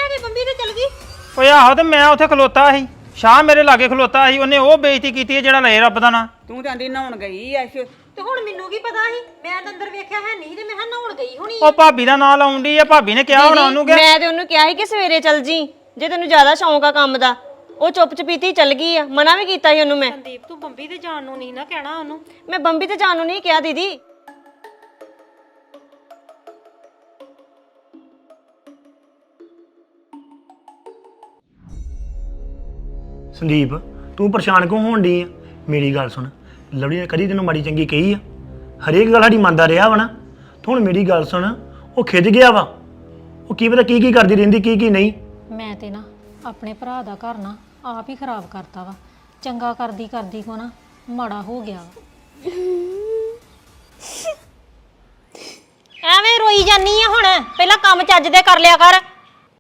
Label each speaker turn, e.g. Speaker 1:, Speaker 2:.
Speaker 1: ਲੈ ਕੇ ਬੰਬੀ ਤੇ ਚਲ ਗਈ।
Speaker 2: ਓਏ ਆਹੋ ਤੇ ਮੈਂ ਉੱਥੇ ਖਲੋਤਾ ਸੀ, ਸ਼ਾਹ ਮੇਰੇ ਲਾਗੇ ਖਲੋਤਾ ਸੀ, ਉਹਨੇ ਉਹ ਬੇਇੱਜ਼ਤੀ ਕੀਤੀ ਜਿਹੜਾ ਲੈ ਰੱਬ ਦਾ ਨਾਂ।
Speaker 3: ਤੂੰ ਤਾਂ ਆਂਦੀ ਨਹਾਉਣ ਗਈ ਐ
Speaker 1: ਤੇ ਹੁਣ ਮੈਨੂੰ ਕੀ ਪਤਾ ਸੀ, ਮੈਂ ਤਾਂ ਅੰਦਰ ਵੇਖਿਆ ਹੈ ਨਹੀਂ ਤੇ ਮੈਂ ਹਾਂ ਨਹਾਉਣ ਗਈ ਹੋਣੀ।
Speaker 2: ਉਹ ਭਾਬੀ ਦਾ ਨਾਂ ਲਾਉਂਦੀ ਆ, ਭਾਬੀ ਨੇ ਕਿਹਾ ਹੋਣਾ ਉਹਨੂੰ ਕਿ
Speaker 4: ਮੈਂ ਤੇ ਉਹਨੂੰ ਕਿਹਾ ਸੀ ਕਿ ਸਵੇਰੇ ਚੱਲ ਜੀ, ਜੇ ਤੈਨੂੰ ਜ਼ਿਆਦਾ ਸ਼ੌਂਕ ਆ ਕੰਮ ਦਾ। ਉਹ ਚੁੱਪ ਚਪੀਤੀ ਚੱਲ ਗਈ ਆ, ਮਨਾ ਵੀ ਕੀਤਾ ਸੀ ਉਹਨੂੰ ਮੈਂ।
Speaker 1: ਸੰਦੀਪ ਤੂੰ ਬੰਬੀ ਤੇ ਜਾਣ ਨੂੰ ਨਹੀਂ ਨਾ ਕਹਿਣਾ ਉਹਨੂੰ।
Speaker 4: ਮੈਂ ਬੰਬੀ ਤੇ ਜਾਣ ਨੂੰ ਨਹੀਂ ਕਿਹਾ ਦੀਦੀ।
Speaker 5: ਸੰਦੀਪ ਤੂੰ ਪਰੇਸ਼ਾਨ ਕਿਉਂ ਹੋਣ ਡਈ ਆ? ਮੇਰੀ ਗੱਲ ਸੁਣ, ਲਵਲੀ ਨੇ ਕਦੀ ਤੈਨੂੰ ਮਾੜੀ ਚੰਗੀ ਕਹੀ ਆ? ਹਰੇਕ ਗੱਲ ਸਾਡੀ ਮੰਨਦਾ ਰਿਹਾ ਵਾ ਨਾ। ਤੂੰ ਹੁਣ ਮੇਰੀ ਗੱਲ ਸੁਣ, ਉਹ ਖਿੱਚ ਗਿਆ ਵਾ, ਉਹ ਕੀ ਪਤਾ ਕੀ ਕੀ ਕਰਦੀ ਰਹਿੰਦੀ ਕੀ ਨਹੀਂ।
Speaker 6: ਮੈਂ ਤੇ ਨਾ ਆਪਣੇ ਭਰਾ ਦਾ ਘਰ ਨਾ ਆਪ ਹੀ ਖਰਾਬ ਕਰਤਾ ਵਾ। ਚੰਗਾ ਕਰਦੀ ਕਰਦੀ ਕੋ ਨਾ ਮਾੜਾ ਹੋ ਗਿਆ ਵਾ।
Speaker 1: ਐਵੇਂ ਰੋਈ ਜਾਨੀ ਆ ਹੁਣ, ਪਹਿਲਾਂ ਕੰਮ ਚੱਜ ਦੇ ਕਰ ਲਿਆ ਕਰ।